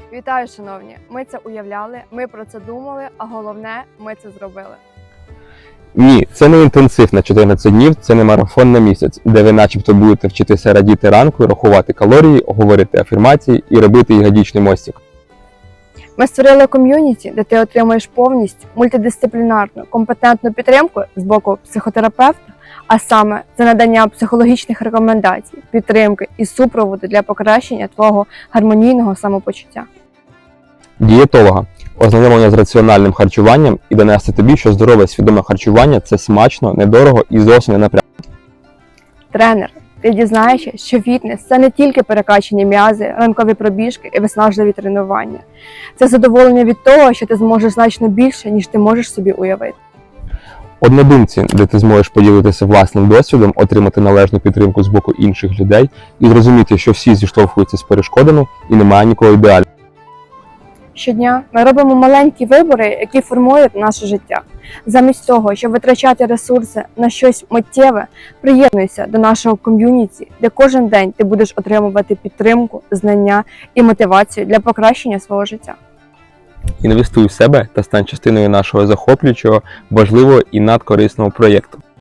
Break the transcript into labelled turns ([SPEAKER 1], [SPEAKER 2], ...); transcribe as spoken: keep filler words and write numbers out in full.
[SPEAKER 1] Вітаю, шановні! Ми це уявляли, ми про це думали, а головне, ми це зробили.
[SPEAKER 2] Ні, це не інтенсив на чотирнадцять днів, це не марафон на місяць, де ви начебто будете вчитися радіти ранку, рахувати калорії, говорити афірмації і робити ягодичний мостик.
[SPEAKER 1] Ми створили ком'юніті, де ти отримуєш повністю мультидисциплінарну, компетентну підтримку з боку психотерапевта, а саме це надання психологічних рекомендацій, підтримки і супроводу для покращення твого гармонійного самопочуття.
[SPEAKER 2] Дієтолога, ознайомлення з раціональним харчуванням і донести тобі, що здорове свідоме харчування – це смачно, недорого і зовсім не напряжно.
[SPEAKER 1] Тренер, ти дізнаєшся, що фітнес – це не тільки перекачані м'язи, ранкові пробіжки і виснажливі тренування. Це задоволення від того, що ти зможеш значно більше, ніж ти можеш собі уявити.
[SPEAKER 2] Однодумці, де ти зможеш поділитися власним досвідом, отримати належну підтримку з боку інших людей і зрозуміти, що всі зіштовхуються з перешкодами і немає нікого ідеального.
[SPEAKER 1] Щодня ми робимо маленькі вибори, які формують наше життя. Замість того, щоб витрачати ресурси на щось миттєве, приєднуйся до нашого ком'юніті, де кожен день ти будеш отримувати підтримку, знання і мотивацію для покращення свого життя.
[SPEAKER 2] Інвестуй в себе та стань частиною нашого захоплюючого, важливого і надкорисного проєкту.